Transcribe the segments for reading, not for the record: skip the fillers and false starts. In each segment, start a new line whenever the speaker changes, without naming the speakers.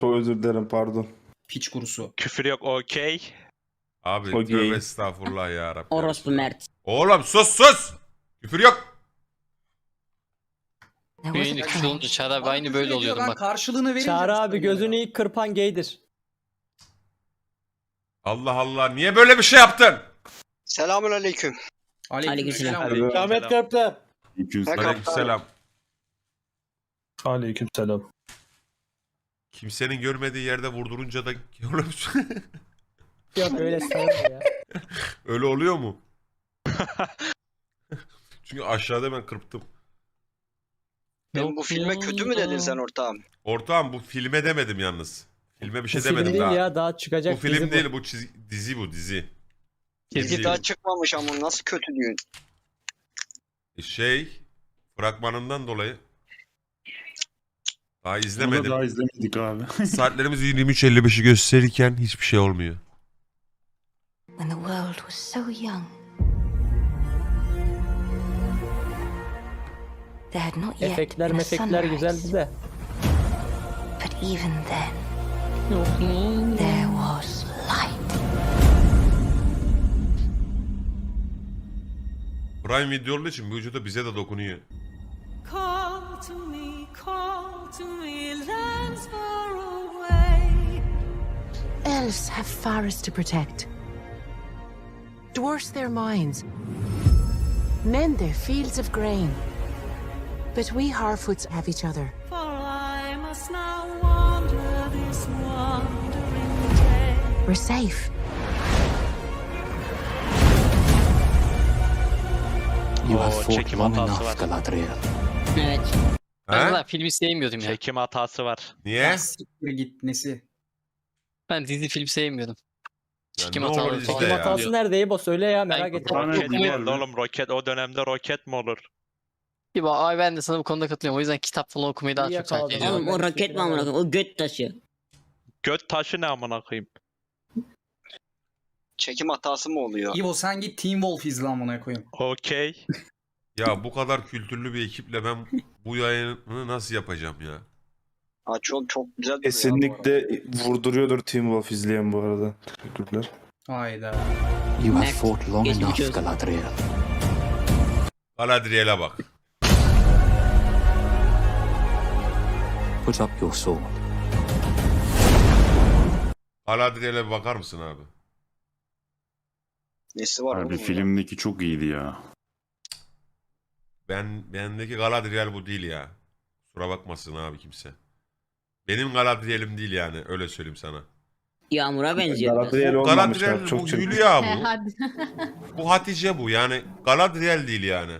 Çok özür dilerim, pardon.
Piç kurusu.
Küfür yok, okey.
Abi
Okey.
tövbe estağfurullah ya Rabbi.
Orospu Mert.
Oğlum sus! Küfür yok.
Yayını küfür olunca Çağrı abi aynı böyle oluyordum
Ben
bak.
karşılığını verince...
Çağrı abi gözünü ilk kırpan gaydir.
Allah Allah, niye böyle bir şey yaptın?
Selamünaleyküm.
Aleykümselam.
Ahmet Köprü.
Aleykümselam.
Aleykümselam.
Kimsenin görmediği yerde vurdurunca da
Yok öyle sayılır ya.
öyle oluyor mu? Çünkü aşağıda ben kırptım.
Ben bu filme kötü mü dedin sen ortağım?
Ortağım bu filme demedim yalnız. Filme bir şey
Bu film
demedim
değil
daha.
ya, daha çıkacak
Bu film
dizi
değil, bu dizi bu dizi.
Çizgi daha çıkmamış ama nasıl kötü diyorsun?
Fragmanından dolayı daha
Onu
izlemedim.
daha izlemedik abi.
Saatlerimiz 23.55'i gösterirken hiçbir şey olmuyor.
When the world was so young, there had not yet
Efektler
been a
mefekler
sunrise.
güzeldi de.
But even then, there was light.
Prime Video olduğu için bu vücuda bize de dokunuyor.
Call to me, lands far away.
Elves have forests to protect. Dwarfs their mines. Men their fields of grain. But we Harfoots have each other.
For I must now wander this wandering day.
We're safe.
Çekim hatası var.
Evet.
Ben
He?
zaten filmi sevmiyordum ya.
Çekim hatası var.
Niye?
Siktir git nesi?
Ben dizi film sevmiyordum.
Ya
Çekim
ne olur
hataları
izle
falan.
Çekim
ya.
hatası nerede İbo, söyle ya, merak
Ben-
ettim.
Roket
dizi var
geldi
lan.
oğlum, roket. O dönemde roket mi olur?
Gibi abi ben de sana bu konuda katılıyorum. O yüzden kitap falan okumayı daha
İyi
çok tercih
yakaladın.
ediyorum.
Oğlum o
ben
roket mi amına koyayım? O göt taşı.
Göt taşı ne amına koyayım?
Çekim hatası mı oluyor?
İvo sen git Teen Wolf izle amına koyayım.
Okey.
Ya bu kadar kültürlü bir ekiple ben bu yayını nasıl yapacağım ya?
Aa, çok güzel duruyor
Kesinlikle vurduruyordur Teen Wolf izleyen bu arada. Teşekkürler.
Hayda.
You have fought long enough,
Galadriel'e bak.
Put up your sword.
Galadriel'e bir bakar mısın abi?
Nesi var
Abi
oğlum?
filmdeki çok iyiydi ya.
Bendeki Galadriel bu değil ya. Kusura bakmasın abi kimse. Benim Galadriel'im değil yani, öyle söyleyeyim sana.
Yağmur'a benziyor biraz.
Galadriel olmamış
Galadriel
abi,
bu
çok çirkin.
Hülya bu. Bu Hatice bu, yani Galadriel değil yani.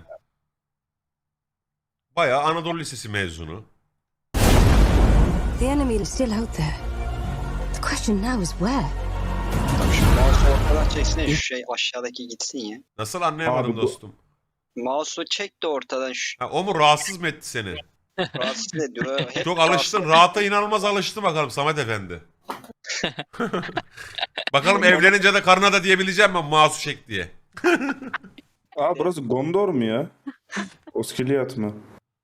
Bayağı Anadolu Lisesi mezunu.
The enemy is still out there. The question now is where?
Tabii şu mouse'u ortadan çeksene, şu şey aşağıdaki gitsin ya.
Nasıl anlayamadım
Abi bu-
dostum?
Mouse'u çek de ortadan şu
Ha, o mu rahatsız mı etti seni?
rahatsız ediyor. Hep
Çok alıştın. Rahata inanılmaz alıştı bakalım Samet Efendi. Bakalım evlenince de karına da diyebileceğim ben mouse'u çek diye.
Aa, burası Gondor mu ya? Oskiliyat mı?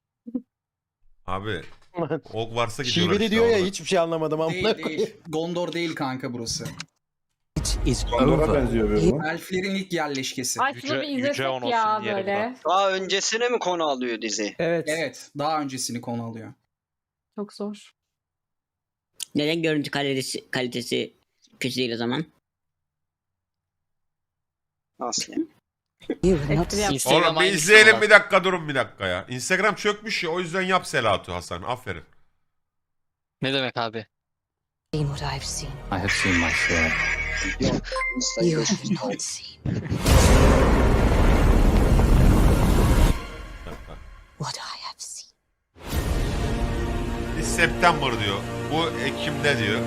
Abi ok varsa gidiyorlar
Şiveli
işte
diyor ya,
orada.
hiçbir şey anlamadım amına
Değil
koyayım.
değil. Gondor değil kanka burası.
Gondor'a benziyor bir bu.
Elflerin ilk yerleşkesi.
Ay şunu bir izlesek
Yüce
ya
olsun diyelim
böyle.
Daha öncesine mi konu alıyor dizi?
Evet.
Evet. Daha öncesini konu alıyor.
Çok zor.
Neden görüntü kalitesi kötü değil o zaman?
Nasıl yani?
Espri yap.
Instagram
Oğlum bir
aynısı
izleyelim,
var.
bir dakika durun bir dakika ya. Instagram çökmüş ya, o yüzden yap Selatu Hasan, aferin.
Ne demek abi?
Seen what I've seen.
Instagram.
You have not seen what I have seen.
Biz September diyor. Bu Ekim'de diyor.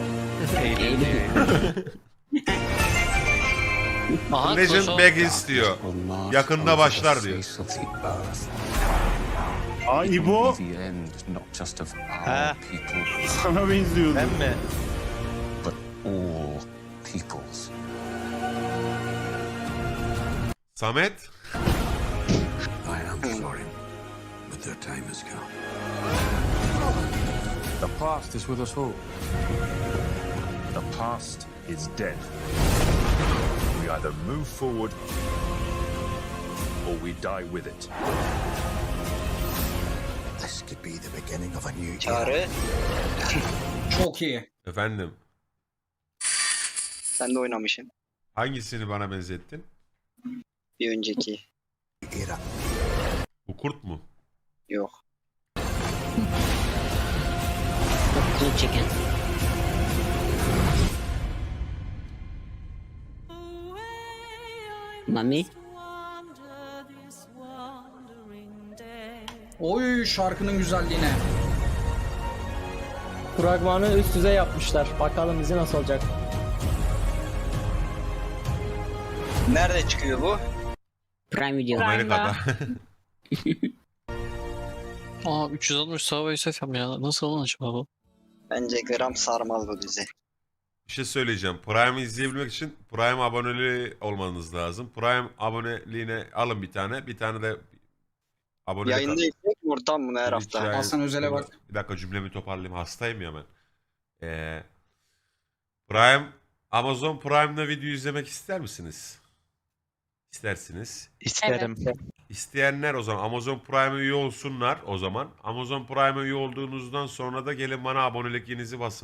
Aha,
Legend
Koso-
Begins diyor. Yakında başlar diyor.
Aa, İbo
Ha,
sana benziyordu.
ben mi?
Samet.
The past is with us all. The past is dead. We either move forward or we die with it.
This could be the beginning of a new
Çağrı. Çok iyi.
Efendim,
Ben de oynamışım.
hangisini bana benzettin?
Bir önceki. Era.
Bu kurt mu?
Yok.
Kılıç çeken. Mami.
Wander this wandering day.
Oy şarkının güzelliğine.
Fragmanı üst düzey yapmışlar. Bakalım bizi nasıl olacak.
Nerede çıkıyor bu?
Prime Video.
Amerika'da.
Aa 360 Subway Surf ya. Nasıl olan acaba bu?
Bence gram sarmaz bu dizi.
Bir şey söyleyeceğim. Prime'ı izleyebilmek için Prime aboneliği olmanız lazım. Prime aboneliğine alın bir tane. Bir tane de abonelik
Yayında
alın.
izleyecek mi ortam bunu her
Twitch
hafta?
yayını-
Hasan Özel'e bak.
Bir dakika cümlemi toparlayayım. Hastayım ya ben. Prime, Amazon Prime'da video izlemek ister misiniz? İstersiniz.
İsterim.
İsteyenler o zaman Amazon Prime'e üye olsunlar o zaman. Amazon Prime'e üye olduğunuzdan sonra da gelin bana abonelikinizi basın.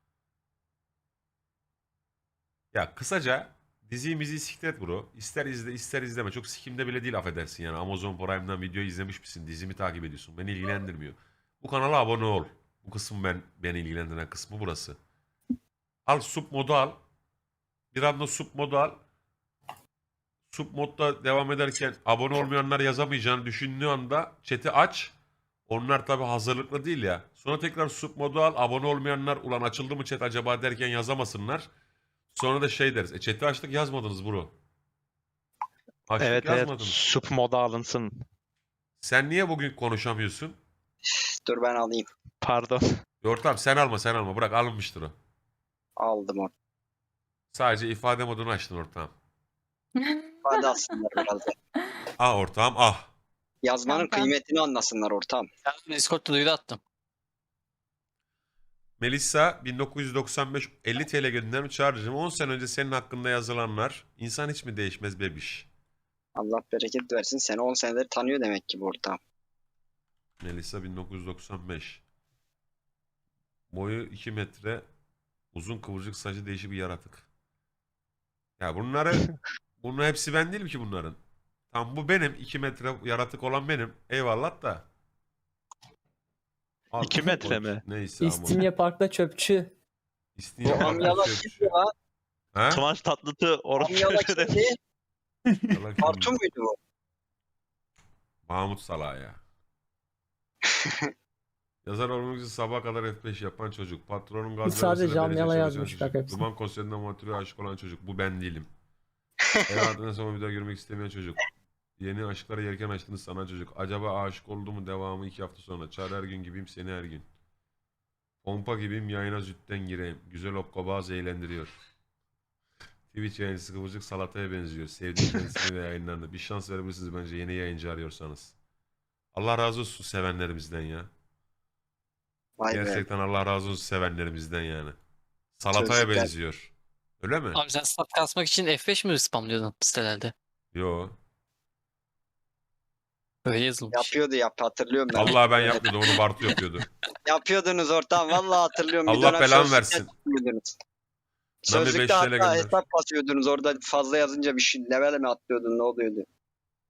Ya kısaca diziyi siktir et bro. İster izle ister izleme. Çok sikimde bile değil affedersin yani. Amazon Prime'dan video izlemiş misin? Dizimi takip ediyorsun. Beni ilgilendirmiyor. Bu kanala abone ol. Bu kısım beni ilgilendiren kısmı burası. Al sub modu al. Bir anda sub modu al. Sub modda devam ederken abone olmayanlar yazamayacağını düşündüğü anda chat'i aç. Onlar tabi hazırlıklı değil ya. Sonra tekrar sub modu al. Abone olmayanlar ulan açıldı mı chat acaba derken yazamasınlar. Sonra da şey deriz. Chat'i açtık yazmadınız bro. Açtık
Evet
yazmadınız.
Sup moda alınsın.
Sen niye bugün konuşamıyorsun?
Dur ben alayım.
Pardon.
Ortam sen alma. Bırak alınmıştır o.
Aldım onu.
Sadece ifade modunu açtın ortağım.
Hadi aslında biraz da.
Ah ortağım ah.
Yazmanın kıymetini anlasınlar ortam.
Ben Discord'da duyuru attım.
Melissa 1995 50 TL göndermiş Çağrı'cığım. 10 sene önce senin hakkında yazılanlar insan hiç mi değişmez bebiş?
Allah bereket versin. Seni 10 senedir tanıyor demek ki bu ortam.
Melissa 1995. Boyu 2 metre. Uzun kıvırcık saçı değişik bir yaratık. Ya bunun hepsi ben değilim ki bunların. Tam bu benim 2 metre yaratık olan benim. Eyvallah da.
2 metre mi?
Neyse ama.
İstinye Park'ta çöpçü.
İstinye
Bu amyala kimdi lan?
Ha?
Kıvanç Tatlıtuğ orası
Amyala
şöyle.
kimdi?
Salak kim?
Kartun muydu bu?
Mahmut Salah ya. Yazar olmak için sabaha kadar F5 yapan çocuk. Patronun gaz
Sadece
vermesine
Camyala
derece
yazmış,
çalışan
bak
çocuk.
hepsini.
Duman konserinde motive aşık olan çocuk. Bu ben değilim. Hayatından sonra bir daha görmek istemeyen çocuk. Yeni aşklara yelken açtığını sanan çocuk. Acaba aşık oldu mu devamı 2 hafta sonra. Çağrı her gün gibiyim seni her gün. Pompa gibiyim yayına zütten gireyim. Güzel hokkabaz eğlendiriyor. Twitch yayıncısı kıvırcık salataya benziyor. Sevdiğim kendisini ve yayınlarını. Bir şans verebilirsiniz bence yeni yayıncı arıyorsanız. Allah razı olsun sevenlerimizden ya.
Vay be.
Gerçekten Allah razı olsun sevenlerimizden yani. Salataya
Çocuklar.
benziyor. Öyle mi?
Abi sen stat kasmak için F5 mi spamlıyordun sitelerde?
Yo.
Öyle yazılmış.
Hatırlıyorum ben.
Allah ben yapmıyordum onu Bartu yapıyordu.
Yapıyordunuz ortam. Vallahi hatırlıyorum.
Allah
dönem
belanı
sözlükte
versin.
yapıyordunuz.
Nami
Sözlükte
5 TL
hatta
gönder.
hesap basıyordunuz. Orada fazla yazınca bir şey level mi atlıyordun ne oluyordu?